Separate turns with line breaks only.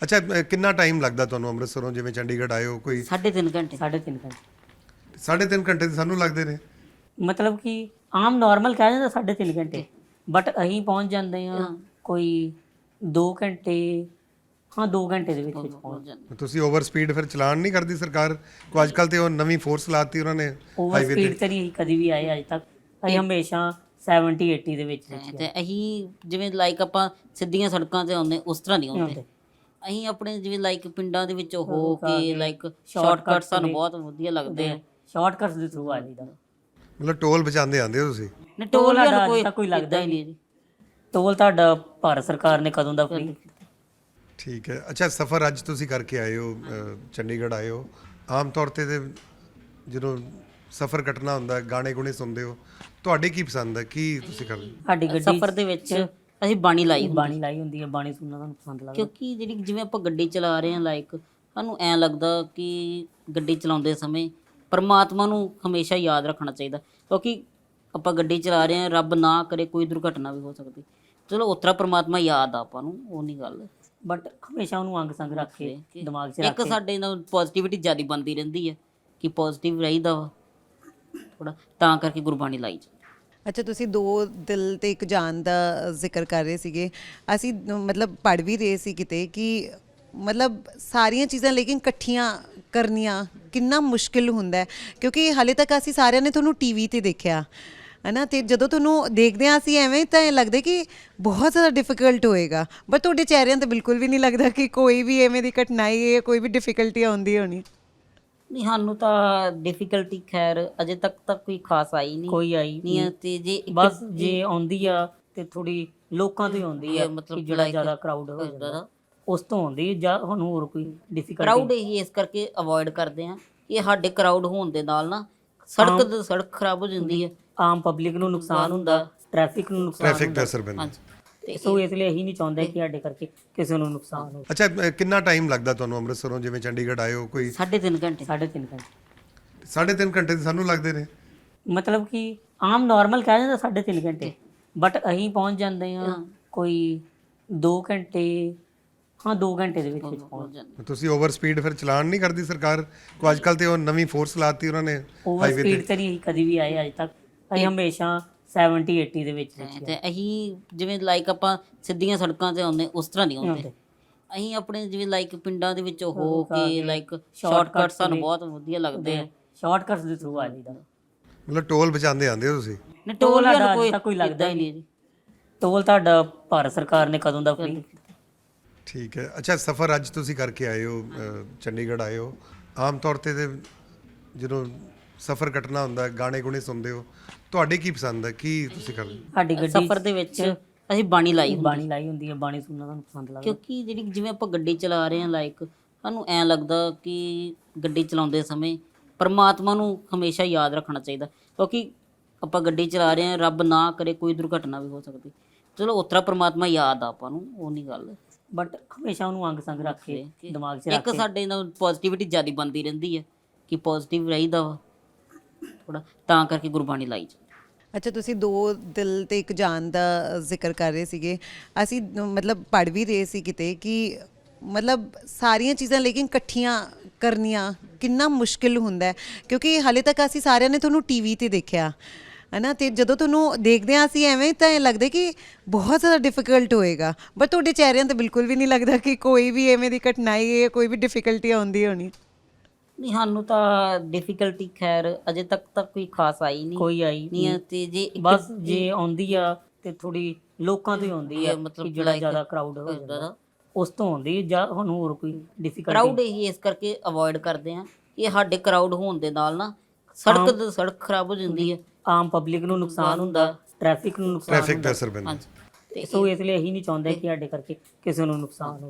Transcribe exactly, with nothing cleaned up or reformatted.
ਅੱਛਾ ਅ, ਕਿੰਨਾ ਟਾਈਮ ਲੱਗਦਾ ਤੁਹਾਨੂੰ ਅੰਮ੍ਰਿਤਸਰੋਂ ਜਿਵੇਂ ਚੰਡੀਗੜ੍ਹ ਆਏ ਹੋ ਕੋਈ
ਸਾਢੇ ਤਿੰਨ ਘੰਟੇ
ਸਾਢੇ ਤਿੰਨ ਘੰਟੇ
ਸਾਢੇ ਤਿੰਨ ਘੰਟੇ ਤਾਂ ਸਾਨੂੰ ਲੱਗਦੇ ਨੇ।
ਮਤਲਬ ਕਿ ਆਮ ਨਾਰਮਲ ਕਹਿ ਜਾਂਦਾ ਸਾਢੇ ਤਿੰਨ ਘੰਟੇ, ਬਟ ਅਸੀਂ ਪਹੁੰਚ ਜਾਂਦੇ ਹਾਂ ਕੋਈ ਦੋ ਘੰਟੇ, ਹਾਂ ਦੋ ਘੰਟੇ ਦੇ ਵਿੱਚ ਵਿੱਚ ਪਹੁੰਚ ਜਾਂਦੇ।
ਤੁਸੀਂ ਓਵਰ ਸਪੀਡ ਫਿਰ ਚਲਾਨ ਨਹੀਂ ਕਰਦੀ ਸਰਕਾਰ ਕੋ? ਅੱਜ ਕੱਲ ਤੇ ਉਹ ਨਵੀਂ ਫੋਰਸ ਲਾਤੀ ਉਹਨਾਂ ਨੇ
ਓਵਰ
ਹਾਈਵੇ
ਸਪੀਡ
ਤੇ।
ਤੇ ਨਹੀਂ ਅਸੀਂ ਕਦੀ ਵੀ ਆਏ ਅੱਜ ਤੱਕ, ਅਸੀਂ ਹਮੇਸ਼ਾ ਸੈਵਨਟੀ ਏਟੀ ਦੇ ਵਿੱਚ ਵਿੱਚ
ਤੇ ਅਸੀਂ ਜਿਵੇਂ ਲਾਈਕ ਆਪਾਂ ਸਿੱਧੀਆਂ ਸੜਕਾਂ ਤੇ ਆਉਂਦੇ ਉਸ ਤਰ੍ਹਾਂ ਨਹੀਂ ਆਉਂਦੇ।
ਆਉਂਦੇ।
ਅਸੀਂ ਆਪਣੇ ਜਿਵੇਂ ਲਾਈਕ ਪਿੰਡਾਂ ਦੇ ਵਿੱਚ ਹੋ ਕੇ ਲਾਈਕ ਸ਼ਾਰਟਕਟ ਸਾਨੂੰ ਬਹੁਤ ਵਧੀਆ ਲੱਗਦੇ ਆ।
ਸ਼ਾਰਟਕਟਸ ਦੇ ਥਰੂ ਆ ਜਾਈਦਾ।
ਮਤਲਬ ਟੋਲ ਬਚਾਉਂਦੇ ਆਂਦੇ ਹੋ ਤੁਸੀਂ?
ਨੇ ਟੋਲ
ਸਾਡਾ
ਵਾਲਾ
ਅੱਜ
ਕੋਈ
ਤੱਕ ਕੋਈ ਲੱਗਦਾ
ਹੀ ਨਹੀਂ ਜੀ।
ਟੋਲ ਤੁਹਾਡਾ ਭਾਰਤ ਸਰਕਾਰ ਨੇ ਕਦੋਂ ਦਾ ਫ੍ਰੀ ਕੀਤਾ?
ਠੀਕ ਹੈ। ਅੱਛਾ ਸਫ਼ਰ ਅੱਜ ਤੁਸੀਂ ਕਰਕੇ ਆਏ ਹੋ, ਅ, ਚੰਡੀਗੜ੍ਹ ਆਏ ਹੋ, ਆਮ ਤੌਰ ਤੇ ਤੇ ਜਦੋਂ ਸਫ਼ਰ ਕੱਟਣਾ ਹੁੰਦਾ ਗਾਣੇ ਗੁਣੇ ਸੁਣਦੇ ਹੋ, ਤੁਹਾਡੇ ਕੀ ਪਸੰਦ ਹੈ, ਕੀ ਤੁਸੀਂ ਕਰਦੇ?
ਸਾਡੀ ਗੱਡੀ
ਸਫ਼ਰ ਦੇ ਵਿੱਚ ਅਸੀਂ ਬਾਣੀ ਲਾਈ ਹੁੰਦੀ
ਬਾਣੀ ਲਾਈ ਹੁੰਦੀ ਹੈ, ਬਾਣੀ ਸੁਣਨਾ ਤੁਹਾਨੂੰ ਪਸੰਦ ਲੱਗਦਾ?
ਕਿਉਂਕਿ ਜਿਹੜੀ ਜਿਵੇਂ ਆਪਾਂ ਗੱਡੀ ਚਲਾ ਰਹੇ ਹਾਂ ਲਾਈਕ ਸਾਨੂੰ ਐਂ ਲੱਗਦਾ ਕਿ ਗੱਡੀ ਚਲਾਉਂਦੇ ਸਮੇਂ ਪਰਮਾਤਮਾ ਨੂੰ ਹਮੇਸ਼ਾ ਯਾਦ ਰੱਖਣਾ ਚਾਹੀਦਾ, ਕਿਉਂਕਿ ਆਪਾਂ ਗੱਡੀ ਚਲਾ ਰਹੇ ਹਾਂ, ਰੱਬ ਨਾ ਕਰੇ ਕੋਈ ਦੁਰਘਟਨਾ ਵੀ ਹੋ ਸਕਦੀ। ਚਲੋ ਉਤਰਾ ਪਰਮਾਤਮਾ ਯਾਦ ਆ ਆਪਾਂ ਨੂੰ, ਉਹ ਨਹੀਂ ਗੱਲ,
ਬਟ ਹਮੇਸ਼ਾ ਉਹਨੂੰ ਅੰਗ ਸੰਗ ਰੱਖ ਕੇ ਦਿਮਾਗ 'ਚ ਰੱਖ
ਇੱਕ
ਕੇ
ਸਾਡੇ ਨਾਲ ਪੋਜ਼ਿਟਿਵਿਟੀ ਜ਼ਿਆਦਾ ਬਣਦੀ ਰਹਿੰਦੀ ਹੈ ਕਿ ਪੋਜ਼ਿਟਿਵ ਰਹੀਦਾ ਵਾ ਥੋੜਾ, ਤਾਂ ਕਰਕੇ ਗੁਰਬਾਣੀ ਲਾਈ ਜੀ।
ਅੱਛਾ, ਤੁਸੀਂ ਦੋ ਦਿਲ ਤੇ ਇੱਕ ਜਾਨ ਦਾ ਜ਼ਿਕਰ ਕਰ ਰਹੇ ਸੀਗੇ। ਅਸੀਂ ਮਤਲਬ ਪੜ੍ਹ ਵੀ ਰਹੇ ਸੀ ਕਿਤੇ ਕਿ ਮਤਲਬ ਸਾਰੀਆਂ ਚੀਜ਼ਾਂ ਲੇਕਿਨ ਇਕੱਠੀਆਂ ਕਰਨੀਆਂ ਕਿੰਨਾ ਮੁਸ਼ਕਿਲ ਹੁੰਦਾ ਹੈ, ਕਿਉਂਕਿ ਹਾਲੇ ਤੱਕ ਅਸੀਂ ਸਾਰਿਆਂ ਨੇ ਤੁਹਾਨੂੰ ਟੀਵੀ ਤੇ ਦੇਖਿਆ ਹੈ ਨਾ, ਅਤੇ ਜਦੋਂ ਤੁਹਾਨੂੰ ਦੇਖਦੇ ਹਾਂ ਅਸੀਂ ਐਵੇਂ ਤਾਂ ਲੱਗਦਾ ਕਿ ਬਹੁਤ ਜ਼ਿਆਦਾ ਡਿਫੀਕਲਟ ਹੋਏਗਾ, ਬਟ ਤੁਹਾਡੇ ਚਿਹਰਿਆਂ 'ਤੇ ਬਿਲਕੁਲ ਵੀ ਨਹੀਂ ਲੱਗਦਾ ਕਿ ਕੋਈ ਵੀ ਐਵੇਂ ਦੀ ਕਠਿਨਾਈ ਹੈ, ਕੋਈ ਵੀ ਡਿਫੀਕਲਟੀ ਆਉਂਦੀ ਹੋਣੀ।
ਨਹੀਂ, ਸਾਨੂੰ ਤਾਂ ਡਿਫੀਕਲਟੀ ਖੈਰ ਅਜੇ ਤੱਕ ਤਾਂ ਕੋਈ ਖਾਸ ਆਈ ਨਹੀਂ
ਕੋਈ ਆਈ
ਨਹੀਂ ਹੈ। ਤੇ ਜੇ ਇੱਕ
ਬਸ ਜੇ ਆਉਂਦੀ ਆ ਤੇ ਥੋੜੀ ਲੋਕਾਂ ਤੋਂ ਹੀ ਆਉਂਦੀ ਆ,
ਮਤਲਬ
ਕਿ ਜਿਹੜਾ ਜ਼ਿਆਦਾ ਕਰਾਊਡ ਹੋ ਜਾਂਦਾ ਉਸ ਤੋਂ ਆਉਂਦੀ ਜਾਂ ਸਾਨੂੰ ਹੋਰ ਕੋਈ ਡਿਫੀਕਲਟੀ।
ਕਰਾਊਡ ਹੀ ਇਸ ਕਰਕੇ ਅਵੋਇਡ ਕਰਦੇ ਆ ਕਿ ਸਾਡੇ ਕਰਾਊਡ ਹੋਣ ਦੇ ਨਾਲ ਨਾ ਸੜਕ ਦੇ ਸੜਕ ਖਰਾਬ ਹੋ ਜਾਂਦੀ ਹੈ,
ਆਮ ਪਬਲਿਕ ਨੂੰ ਨੁਕਸਾਨ ਹੁੰਦਾ, ਟ੍ਰੈਫਿਕ ਨੂੰ ਨੁਕਸਾਨ
ਟ੍ਰੈਫਿਕ
ਹੁੰਦਾ।
ਦਾ ਅਸਰ ਪੈਂਦਾ।
ਤੇ
ਸੋ ਇਸ ਲਈ ਅਸੀਂ ਨਹੀਂ ਚਾਹੁੰਦੇ ਕਿ ਸਾਡੇ ਕਰਕੇ ਕਿਸੇ ਨੂੰ ਨੁਕਸਾਨ ਹੋਵੇ।
ਅੱਛਾ ਅ, ਕਿੰਨਾ ਟਾਈਮ ਲੱਗਦਾ ਤੁਹਾਨੂੰ ਅੰਮ੍ਰਿਤਸਰੋਂ ਜਿਵੇਂ ਚੰਡੀਗੜ੍ਹ ਆਏ ਹੋ ਕੋਈ
ਸਾਢੇ ਤਿੰਨ ਘੰਟੇ
ਸਾਢੇ ਤਿੰਨ ਘੰਟੇ
ਸਾਢੇ ਤਿੰਨ ਘੰਟੇ ਤਾਂ ਸਾਨੂੰ ਲੱਗਦੇ ਨੇ।
ਮਤਲਬ ਕਿ ਆਮ ਨਾਰਮਲ ਕਹਿ ਜਾਂਦਾ ਸਾਢੇ ਤਿੰਨ ਘੰਟੇ, ਬਟ ਅਸੀਂ ਪਹੁੰਚ ਜਾਂਦੇ ਹਾਂ ਕੋਈ ਦੋ ਘੰਟੇ, ਹਾਂ ਦੋ ਘੰਟੇ ਦੇ ਵਿੱਚ ਵਿੱਚ ਪਹੁੰਚ ਜਾਂਦੇ।
ਤੁਸੀਂ ਓਵਰ ਸਪੀਡ ਫਿਰ ਚਲਾਨ ਨਹੀਂ ਕਰਦੀ ਸਰਕਾਰ ਕੋ? ਅੱਜ ਕੱਲ ਤੇ ਉਹ ਨਵੀਂ ਫੋਰਸ ਲਾਤੀ ਉਹਨਾਂ ਨੇ
ਓਵਰ
ਹਾਈਵੇ
ਸਪੀਡ
ਤੇ।
ਤੇ ਨਹੀਂ ਅਸੀਂ ਕਦੀ ਵੀ ਆਏ ਅੱਜ ਤੱਕ, ਅਸੀਂ ਹਮੇਸ਼ਾ ਸੈਵਨਟੀ ਏਟੀ ਦੇ ਵਿੱਚ ਵਿੱਚ
ਤੇ ਅਸੀਂ ਜਿਵੇਂ ਲਾਈਕ ਆਪਾਂ ਸਿੱਧੀਆਂ ਸੜਕਾਂ ਤੇ ਆਉਂਦੇ ਉਸ ਤਰ੍ਹਾਂ ਨਹੀਂ ਆਉਂਦੇ।
ਆਉਂਦੇ।
ਅਸੀਂ ਆਪਣੇ ਜਿਵੇਂ ਲਾਈਕ ਪਿੰਡਾਂ ਦੇ ਵਿੱਚ ਹੋ ਕੇ ਲਾਈਕ ਸ਼ਾਰਟਕਟ ਸਾਨੂੰ ਬਹੁਤ ਵਧੀਆ ਲੱਗਦੇ ਆ।
ਸ਼ਾਰਟਕਟਸ ਦੇ ਥਰੂ ਆ ਜਾਈਦਾ।
ਮਤਲਬ ਟੋਲ ਬਚਾਉਂਦੇ ਆਂਦੇ ਹੋ ਤੁਸੀਂ?
ਨੇ ਟੋਲ
ਸਾਡਾ
ਵਾਲਾ
ਅੱਜ
ਕੋਈ
ਤੱਕ ਕੋਈ ਲੱਗਦਾ
ਹੀ ਨਹੀਂ ਜੀ।
ਟੋਲ ਤੁਹਾਡਾ ਭਾਰਤ ਸਰਕਾਰ ਨੇ ਕਦੋਂ ਦਾ ਫ੍ਰੀ ਕੀਤਾ?
ਠੀਕ ਹੈ। ਅੱਛਾ ਸਫ਼ਰ ਅੱਜ ਤੁਸੀਂ ਕਰਕੇ ਆਏ ਹੋ, ਅ, ਚੰਡੀਗੜ੍ਹ ਆਏ ਹੋ, ਆਮ ਤੌਰ ਤੇ ਤੇ ਜਦੋਂ ਸਫ਼ਰ ਕੱਟਣਾ ਹੁੰਦਾ ਗਾਣੇ ਗੁਣੇ ਸੁਣਦੇ ਹੋ, ਤੁਹਾਡੇ ਕੀ ਪਸੰਦ ਹੈ, ਕੀ ਤੁਸੀਂ ਕਰਦੇ?
ਸਾਡੀ ਗੱਡੀ
ਸਫ਼ਰ ਦੇ ਵਿੱਚ ਅਸੀਂ ਬਾਣੀ ਲਾਈ ਹੁੰਦੀ
ਬਾਣੀ ਲਾਈ ਹੁੰਦੀ ਹੈ, ਬਾਣੀ ਸੁਣਨਾ ਤੁਹਾਨੂੰ ਪਸੰਦ ਲੱਗਦਾ?
ਕਿਉਂਕਿ ਜਿਹੜੀ ਜਿਵੇਂ ਆਪਾਂ ਗੱਡੀ ਚਲਾ ਰਹੇ ਹਾਂ ਲਾਈਕ ਸਾਨੂੰ ਐਂ ਲੱਗਦਾ ਕਿ ਗੱਡੀ ਚਲਾਉਂਦੇ ਸਮੇਂ ਪਰਮਾਤਮਾ ਨੂੰ ਹਮੇਸ਼ਾ ਯਾਦ ਰੱਖਣਾ ਚਾਹੀਦਾ, ਕਿਉਂਕਿ ਆਪਾਂ ਗੱਡੀ ਚਲਾ ਰਹੇ ਹਾਂ, ਰੱਬ ਨਾ ਕਰੇ ਕੋਈ ਦੁਰਘਟਨਾ ਵੀ ਹੋ ਸਕਦੀ। ਚਲੋ ਉਤਰਾ ਪਰਮਾਤਮਾ ਯਾਦ ਆ ਆਪਾਂ ਨੂੰ, ਉਹ ਨਹੀਂ ਗੱਲ,
ਬਟ ਹਮੇਸ਼ਾ ਉਹਨੂੰ ਅੰਗ ਸੰਗ ਰੱਖ ਕੇ ਦਿਮਾਗ 'ਚ ਰੱਖ
ਇੱਕ
ਕੇ
ਸਾਡੇ ਨਾਲ ਪੋਜ਼ਿਟਿਵਿਟੀ ਜ਼ਿਆਦਾ ਬਣਦੀ ਰਹਿੰਦੀ ਹੈ ਕਿ ਪੋਜ਼ਿਟਿਵ ਰਹੀਦਾ ਵਾ ਥੋੜਾ, ਤਾਂ ਕਰਕੇ ਗੁਰਬਾਣੀ ਲਾਈ ਜੀ।
ਅੱਛਾ, ਤੁਸੀਂ ਦੋ ਦਿਲ ਤੇ ਇੱਕ ਜਾਨ ਦਾ ਜ਼ਿਕਰ ਕਰ ਰਹੇ ਸੀਗੇ। ਅਸੀਂ ਮਤਲਬ ਪੜ੍ਹ ਵੀ ਰਹੇ ਸੀ ਕਿਤੇ ਕਿ ਮਤਲਬ ਸਾਰੀਆਂ ਚੀਜ਼ਾਂ ਲੇਕਿਨ ਇਕੱਠੀਆਂ ਕਰਨੀਆਂ ਕਿੰਨਾ ਮੁਸ਼ਕਿਲ ਹੁੰਦਾ ਹੈ, ਕਿਉਂਕਿ ਹਾਲੇ ਤੱਕ ਅਸੀਂ ਸਾਰਿਆਂ ਨੇ ਤੁਹਾਨੂੰ ਟੀਵੀ ਤੇ ਦੇਖਿਆ ਹੈ ਨਾ, ਅਤੇ ਜਦੋਂ ਤੁਹਾਨੂੰ ਦੇਖਦੇ ਹਾਂ ਅਸੀਂ ਐਵੇਂ ਤਾਂ ਲੱਗਦਾ ਕਿ ਬਹੁਤ ਜ਼ਿਆਦਾ ਡਿਫੀਕਲਟ ਹੋਏਗਾ, ਬਟ ਤੁਹਾਡੇ ਚਿਹਰਿਆਂ 'ਤੇ ਬਿਲਕੁਲ ਵੀ ਨਹੀਂ ਲੱਗਦਾ ਕਿ ਕੋਈ ਵੀ ਐਵੇਂ ਦੀ ਕਠਿਨਾਈ ਹੈ, ਕੋਈ ਵੀ ਡਿਫੀਕਲਟੀ ਆਉਂਦੀ ਹੋਣੀ।
ਨਹੀਂ, ਸਾਨੂੰ ਤਾਂ ਡਿਫੀਕਲਟੀ ਖੈਰ ਅਜੇ ਤੱਕ ਤਾਂ ਕੋਈ ਖਾਸ ਆਈ ਨਹੀਂ
ਕੋਈ ਆਈ
ਨਹੀਂ ਹੈ। ਤੇ ਜੇ ਇੱਕ
ਬਸ ਜੇ ਆਉਂਦੀ ਆ ਤੇ ਥੋੜੀ ਲੋਕਾਂ ਤੋਂ ਹੀ ਆਉਂਦੀ ਆ,
ਮਤਲਬ
ਕਿ ਜਿਹੜਾ ਜ਼ਿਆਦਾ ਕਰਾਊਡ ਹੋ ਜਾਂਦਾ ਉਸ ਤੋਂ ਆਉਂਦੀ ਜਾਂ ਸਾਨੂੰ ਹੋਰ ਕੋਈ ਡਿਫੀਕਲਟੀ।
ਕਰਾਊਡ ਹੀ ਇਸ ਕਰਕੇ ਅਵੋਇਡ ਕਰਦੇ ਆ ਕਿ ਸਾਡੇ ਕਰਾਊਡ ਹੋਣ ਦੇ ਨਾਲ ਨਾ ਸੜਕ ਦੇ ਸੜਕ ਖਰਾਬ ਹੋ ਜਾਂਦੀ ਹੈ,
ਆਮ ਪਬਲਿਕ ਨੂੰ ਨੁਕਸਾਨ ਹੁੰਦਾ, ਟ੍ਰੈਫਿਕ ਨੂੰ ਨੁਕਸਾਨ
ਟ੍ਰੈਫਿਕ ਦਾ
ਹੁੰਦਾ।
ਅਸਰ ਪੈਂਦਾ।
ਸੋ ਇਸ ਲਈ ਅਸੀਂ ਨਹੀਂ ਚਾਹੁੰਦੇ ਕਿ ਸਾਡੇ ਕਰਕੇ ਕਿਸੇ ਨੂੰ ਨੁਕਸਾਨ ਹੋਵੇ।